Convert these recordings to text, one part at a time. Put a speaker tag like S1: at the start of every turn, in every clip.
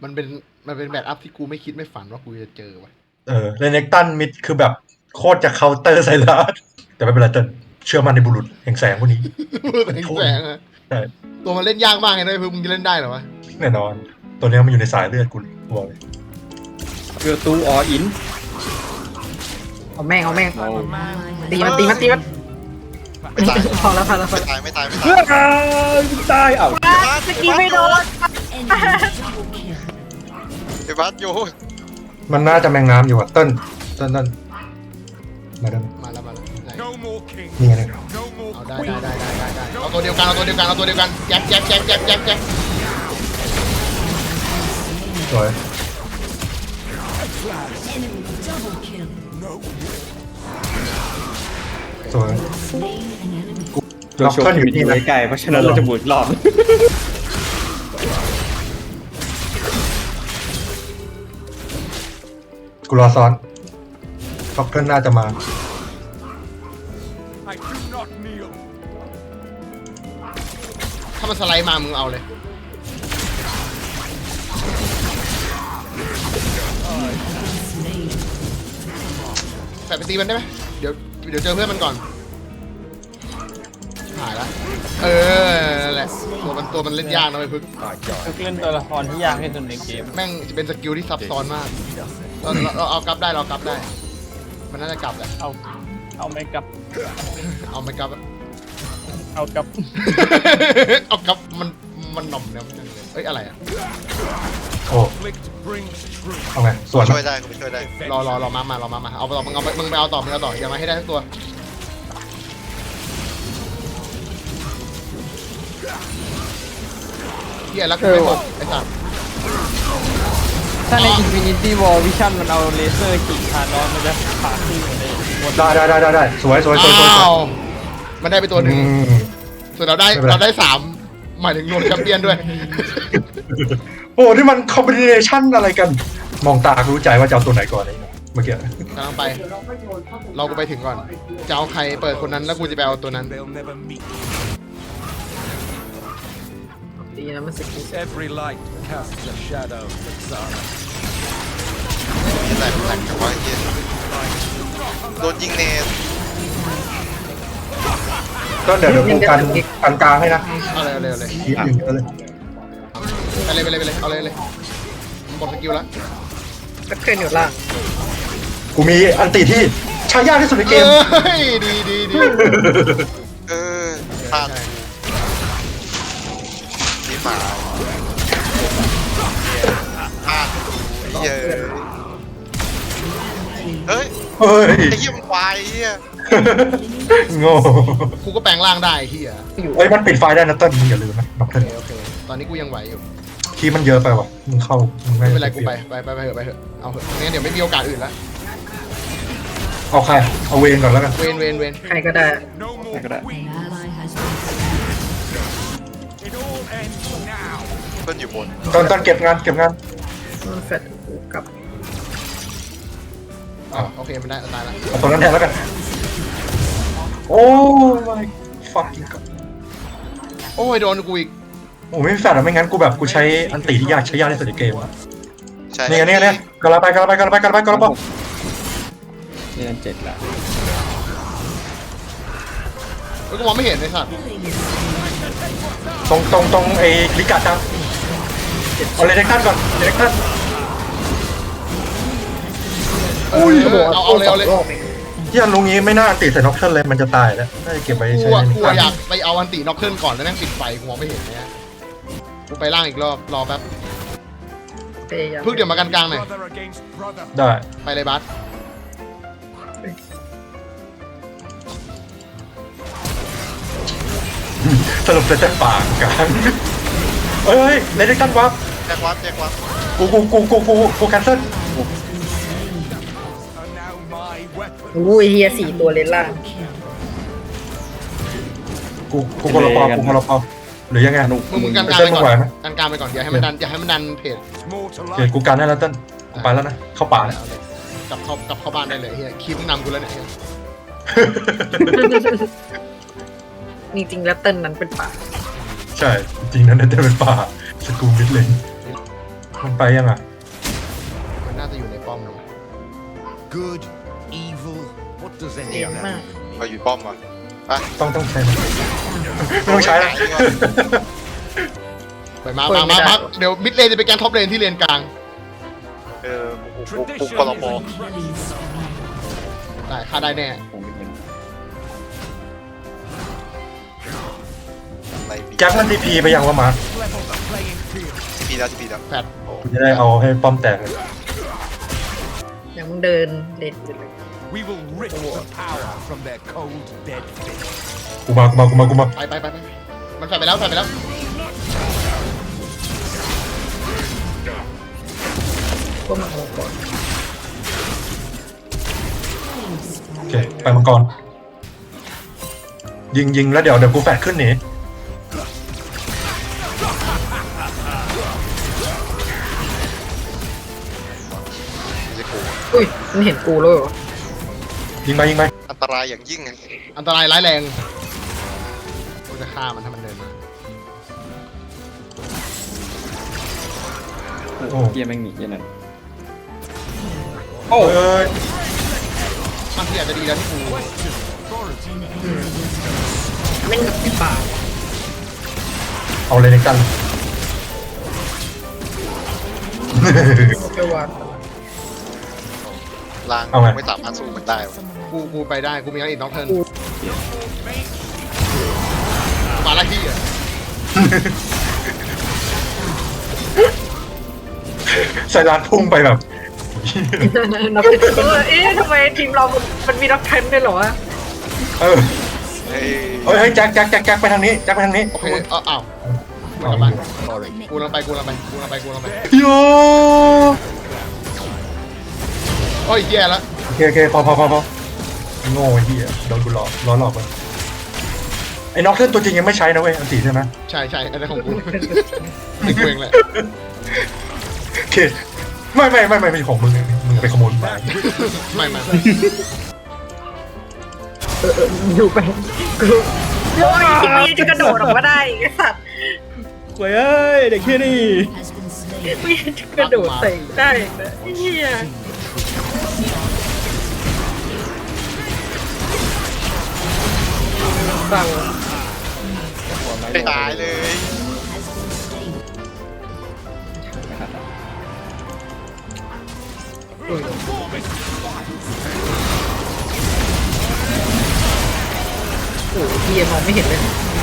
S1: มันเป็นมันเป็นแบบอัพที่กูไม่คิดไม่ฝันว่ากูจะเจอว่ะ
S2: เรเนกตันมิดคือแบบโคตรจะเคาน์เตอร์ไซรัสแต่ไม่เป็นไรเติ้ลเชื่อมันในบุรุษแห่งแสงพวกนี้
S1: แสงอะ
S2: ใช่
S1: ตัวมันเล่นยากมากเลยนะเพื่อนมึงจะเล่นได้เหรอวะ
S2: แน่นอน ตัวนี้มันอยู่ในสายเลือดกูบอกเลย
S3: เกือตูออิน
S4: เอาแม่งตีมัน
S5: ไม่ตาย
S4: พอแล้ว
S5: ไม่ตายไม่ตายไม่
S3: เพื่
S5: ตาย
S3: อนตายเอ้า
S4: สกีไม่โดน
S5: ไอ้บัสโย
S2: มันน่าจะแมงน้ำอยู่อ่ะเติ้ลมาได้ไหม
S1: มาแล้วได้
S2: นี่ไงเนี่ย
S1: เอาได้เอาตัวเดียวกันแจ็ค
S2: สวยสวย
S3: ตัวโชว์ที่อยู่ใกล้ๆเพราะฉะนั้นเราจะหมุนรอบ
S2: กูรอซ้อนท็อกเกิลน่าจะมา
S1: ถ้ามันสไลด์มามึงเอาเลยแฝดไปตีมันได้ไหมเดี๋ยวเจอเพื่อนมันก่อนหายละนั่นแหละตัวมันเล่นยากนะไปพึ่ง
S6: เล่นตัวละครที่ยากที่สุดในเกม
S1: แม่งจะเป็นสกิลที่ซับซ้อนมากเราเอากลับได้มันน่าจะกลับแหละ
S6: เอาไม่กลับ
S1: เอาไม่กลับ
S6: เอากลับ
S1: เอากลับมันหน่อมเนี่ยมันเลยเอ้ยอะไรอะ
S2: โอ้เอาไงส่วน
S5: ช่วยได้กูไปช่วยได้
S1: รอมาเอาต่อมึงไปเอาต่ออย่ามาให้ได้ทั้งตัวเฮียรักกูไม่หมดไอ้สัส
S6: ถ้าใน Infinity War Vision มันเอาเลเซอร์ขีดทานอสมันจะผ่าครึ่งเลยหมด
S2: ได้สวย
S1: อ้าวมันได้ไปตัวหนึ่ง
S2: อืม
S1: ส่วนเราได้
S2: ไม่เป็นไร
S1: เราได้3หมายถึงรวมแชมเปี้ยนด้วย
S2: โอ้นี่มันคอมบิเนชันอะไรกัน มองตารู้ใจว่าจะเอาตัวไหนก่อนเลยเมื่อกี้
S1: กำลังไป เราก็ไปถึงก่อน จะเอาใครเปิดคนนั้นแล้วกูจะไปเอาตัวนั้น
S4: ดีนะมันสกี
S7: Every light casts a shadow, Zara.
S5: นี่แหละแหลกกับว่าเฮียโดนยิงเนส
S2: ก็เดี๋ยวกูกันกลางให้นะ
S1: เอาเลย
S2: ทีหนึ่งเลย
S1: ไปเลยเอาเลยกดสกิลแล้ว
S4: ก็เคลื่อนอยู่ล่าง
S2: กูมีอันติที่ใช้ยากที่สุดในเกม
S1: เฮ้ยดี
S5: เออพลาดนี่หมาพลาดเฮียเฮ้ย
S2: เฮ้ย
S5: ไอ้เหี้ยมันควายเฮีย
S2: โง่
S1: กูก็แปลงร่างได้ที่อ่ะ
S2: เอ้ยมันปิดไฟได้นะเต้นมึงอย่าลืมนะด็อกเตอร์
S1: โอเคตอนนี้กูยังไหวอยู่
S2: คีย์มันเยอะไปว่ะมึงเข้ามึง
S1: ไม่เป็นไรกูไปเถอะเอาเถอะไม่งั้นเดี๋ยวไม่มีโอกาสอื่นละ
S2: เอาใครเอาเวนก่อนแล้วกัน
S1: เวน
S4: ใครก็ได้
S3: ก็ได้
S5: เพิ่นอยู่บน
S2: ตอนเก็บงาน
S4: มันแฟดกูกลับ
S1: โอเคมันได้ตายละ
S2: เอาตรงนั้นแทนแล้วกันโอ้ my fucking god
S1: โอ้ยโดนกูอีก
S2: โอ้ไม่มีแฟลชอะไม่งั้นกูแบบกูใช้อันติที่ใช้ยากที่สุดในเกมอะ
S5: ใช่
S2: เนี่ยกระไป
S3: นี่นั่น7ละ
S1: กูมองไม่เห็นเลยสัตว์
S2: ตรงไอ้ลิกาจังเอาเลเด็กท่านก่อนเลเด็กท่าน
S1: เอาเลย
S2: ที่อันลุงนี้ไม่น่าติดใส่น็อกเทิลเลยมันจะตายแล้วน่าจะเก็บไว้ใช้
S1: กูอยากไปเอาอันติน็อกเกิลก่อนแล้วนั่งปิดไฟกูมองไม่เห็นเนี่ยกูไปล่างอีกรอบรอแป๊บ
S4: พยายาม
S1: พึ่งเดี๋ยวมากันกลางหน่อย
S7: Brother against brother.
S2: ได้
S1: ไปเลยบัส
S2: สรุปจะป่ากลางเอ้ยเลเด็กท่านวับ
S5: แจ็ควัด
S2: กูแคนเซิล
S7: Are now my weapon.
S4: อุ้ยเฮีย4ตัวเลนล่าง
S2: กูพลปอหรือยังไง
S1: มึงกันกลางไปก่อนกันกลางไปก่อนอย่าให้มันดันเพจ
S7: More to
S2: เดี๋ยว
S7: life.
S2: กูกันได้แล้วเต้นกูไปแล้วนะเข้าป่าแล้ว
S1: เอาเลยกลับเข้าบ้านได้เลยเฮียคีบมึงนำกูแล้วเนี่ยเฮีย
S4: จริงๆแล้วเติ้ลนั้นเป็นป่า
S2: ใช่จริงๆนั้นเต้นเป็นป่าสกูมิดเลนมันไปยังอ่ะ
S1: มันน่าจะอยู่ในป้อมนะ
S7: Good, evil. What does
S4: เสี
S7: any
S4: ย
S7: of
S4: มาก
S7: that
S5: เอาอยู่ป้อมว่ะไป
S2: ต้องใช้มันไม่ต้องใช้แล้ว
S1: ไปมาเดี๋ยวมิดเลนจะเป็นการท็อปเลนที่เลนกลาง
S5: ปุ๊บคอรมอ
S1: ได้ฆ่าได้แน่
S3: ผมไม่เห็น
S5: อะไรปี
S2: แจ็คมันทีพีไปยังวะมาร์ค
S7: level the playing field?
S5: ปีแล้วปีแล้ว
S1: แฟด
S2: กูจะได้เอาให้ป้อมแตกเลย
S4: เดี๋ยวมึงเดินเลนไปเลย
S7: We will rip the power from their cold, dead fists.
S2: กูมา
S1: ไปมันแฟดไปแล้ว
S4: ก็มาเอาก่อน
S2: โอเคไปมังกรยิงแล้วเดี๋ยวกูแฟดขึ้นหนี
S5: ไม่ใช่กู
S4: อุ้ยมันเห็นกูแล้วเหรอ
S2: ยิงไป
S5: อันตรายอย่างยิ่งไง
S1: อันตรายร้ายแรงกูจะฆ่ามันถ้ามันเดินมา
S3: เกียแม่งหนียันนั่น
S2: โอ้ย
S1: มันที่อาจจะดีแล้วที่กู
S4: เล่นกับไอ้ป่า
S2: เอาเลยในกัน
S4: ไปวาง
S5: ลางไม่สามารถสู้มันได้ว่ะ
S1: กูไปได้กูมีอันอีกน้องเทิร์นมาละที่อ่ะ
S2: ใส่ร้านพุ่งไปแบบ
S4: นับเป็นเอ๊ะทำไมทีมเรามันมีนักเทนด้วยเหรอวะ
S2: เออ
S5: เฮ้ย
S2: เฮ้ยแจ็คไปทางนี้แจ็คไปทางนี้
S1: โอเคอ้าวมันกลับมากูลังไป
S2: โย
S1: โอ้ยแย่แล้ว
S2: โอเคพอโง่ไอ้เหี้ยโดนกูล้อหลอกไปไอ้น็อกเล่นตัวจริงยังไม่ใช้นะเว้ยอันตีใช่ไหม
S1: ใช่อันนั้นของกูติดเองแหละ
S2: โอเคไม่ใช่ของมึงไปขโมยมา
S1: ไม่
S4: อยู่ไปกูโอ้ยทีนี้จะกระโดดออกมาได้ไอ้สัตว์
S3: เว้ยเด็กแค่นี้
S4: ไม่จะกระโดดใส่ได้นะไอ้เหี้ยฟัง
S5: ไม่ตายเลย
S4: โอ้โหเหี้ยมองไม่เห็นเลย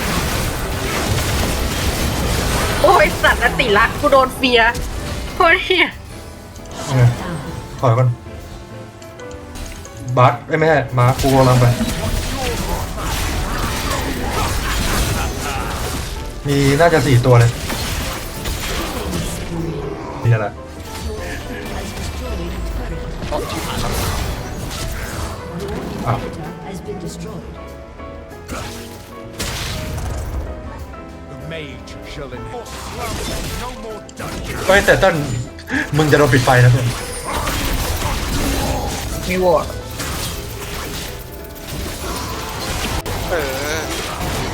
S4: โอ้ยสัตว์อติรักกูโดนเฟียโอ้ยเหี้ย
S2: ถอยก่อนบัสไม่ใช่มากูกำลังไปมีน่าจะ4 ตัวเลยนี่แหละ อ้าว
S7: The mage shall enforce slumber. No more dungeons.
S2: เฮ้ยแต่ต้นมึงจะโดนปิดไฟนะเพื่อน
S4: มีวอร์ด
S5: ไป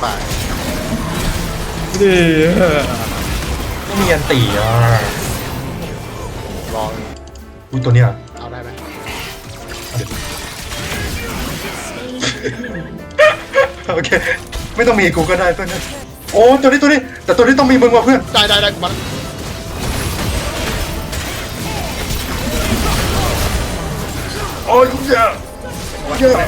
S2: ไม่มีอันตีอ่ะ
S5: ลอง
S2: อุ้ยตัวเนี้ย
S1: เอาได้ไหม
S2: โอเค ไม่ต้องมีกูก็ได้เพื่อนโอ้ตัวนี้แต่ตัวนี้ต้องมีมึงว่ะเพื่อน
S1: ได้กูมา
S2: โอ้ยเยอะ
S4: เหี้ย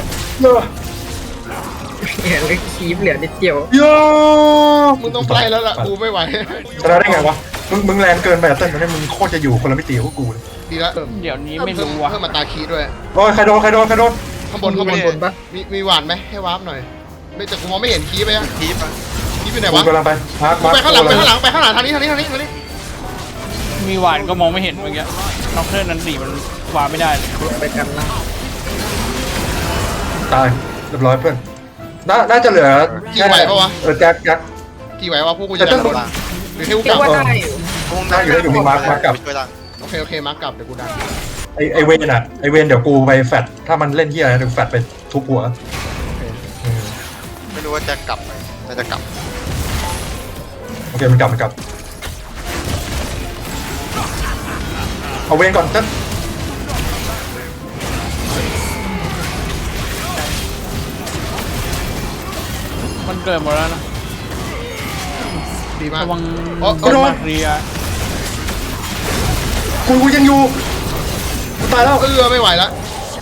S4: เหลือคีบเหลือนิดเดียว
S2: เยอะ
S1: มึงต้องไปแล้วล่ะกูไม่ไหว
S2: ชนะได้ไงวะมึงแรงเกินไปอ่ะเต้นตอนนี้มึงโคตรจะอยู่คนละมิติกับกูเลย
S1: ดีแล้ว
S6: เดี๋ยวนี้ไม่รู้ว่ะ
S1: เพิ่มมาตาคีด้วย
S2: โอ้ยใครโดน
S1: ข้างบน
S4: ข้างบนปะ
S1: มีหวานไหมให้วาร์ปหน่อยไม่แต่กูมองไม่เห็นคีไปยัง
S5: ทีมอ่ะ
S1: คีไปไหน
S2: กู
S1: วะ
S2: กำลังไปมาร์ค
S1: ไปข้างหลังทางนี้
S6: มีหวานก็มองไม่เห็นเมื่อกี้น็อกเทอร์นั้นสีมันวางไม่ได้เลย
S4: ไปกันละ
S2: ตายเรียบร้อยเพื่อนน่าจะเหลือแจ็ค
S1: กี่ไหววะพวกกูจะดันหรือให้กู
S4: เรี
S1: ก
S4: ย
S1: ลั
S4: ก
S1: บ
S4: ว่าได้อยู่
S2: อยู่มีมาร์คกลับ
S5: ช่วยดัง
S1: โอเคมาร์กลับเดี๋ยวกูดัน
S2: ไอเวนอะไอเวนเดี๋ยวกูไปแฟดถ้ามันเล่นเฮียอะไรเดี๋ยวแฟดไปทุบหัว
S5: ไม่รู้ว่าจะกลับไหมน่าจะกลับ
S2: โอเคมันกลับเอาเวนก่อนเต้น
S6: มันเกิดหมดแล้วนะ
S1: ดีมาก
S6: ระวัง
S1: โอ้
S6: โดนมาเรีย
S2: กูยังอยู่กูตายแล้ว
S1: ไม่ไหวแล้ว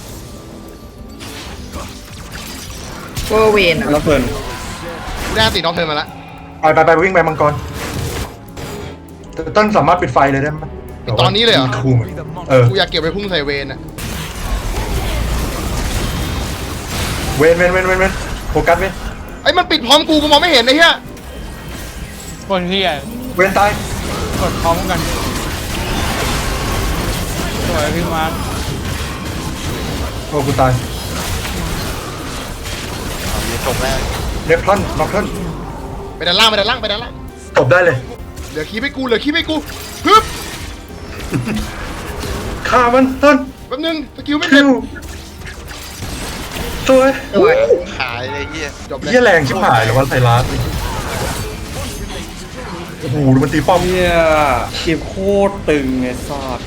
S4: โอเวนอ่ะ
S3: แล้วเฟิร์น
S1: กูได้ติดน้องเธอมาแล้ว
S2: ไปวิ่งไปมังกรแต่ต้นสามารถปิดไฟเลยได้ไหม
S1: ตอนนี้เลยเหรอ
S2: คูม
S1: กูอยากเก็บไปพุ่งใส่เวนอะ
S2: เวนโฟกัสเวน
S1: ไอ้มันปิดพร้อมกูมองไม่เห็นไอ้เหี้ย
S6: บนที่อ่ะ
S2: เวนตาย
S6: กดพร้อมกันสวยพี่มาร์ค
S2: โอ้กูตาย
S5: มีจบแล้ว
S2: เนฟทอนน็อกทอน
S1: ไปด้านล่างไปด้านล่างไปด้านล่าง
S2: ตบได้เลย
S1: เหลือคีบให้กูเหลือคีบให้กูฮึบ
S2: ฆ่ามันต้น
S1: แป๊บนึงสกิลไม่
S2: คิ
S1: เด็ด
S2: วสวย
S4: สวย
S5: ขายเลยเฮีย
S1: จบเลย
S2: เหี้ยแรงชิบหายเหรอวะไซรัสโอ้โหดูมันตีป้อม
S3: เฮียเกมโคตรตึงไอ้สัส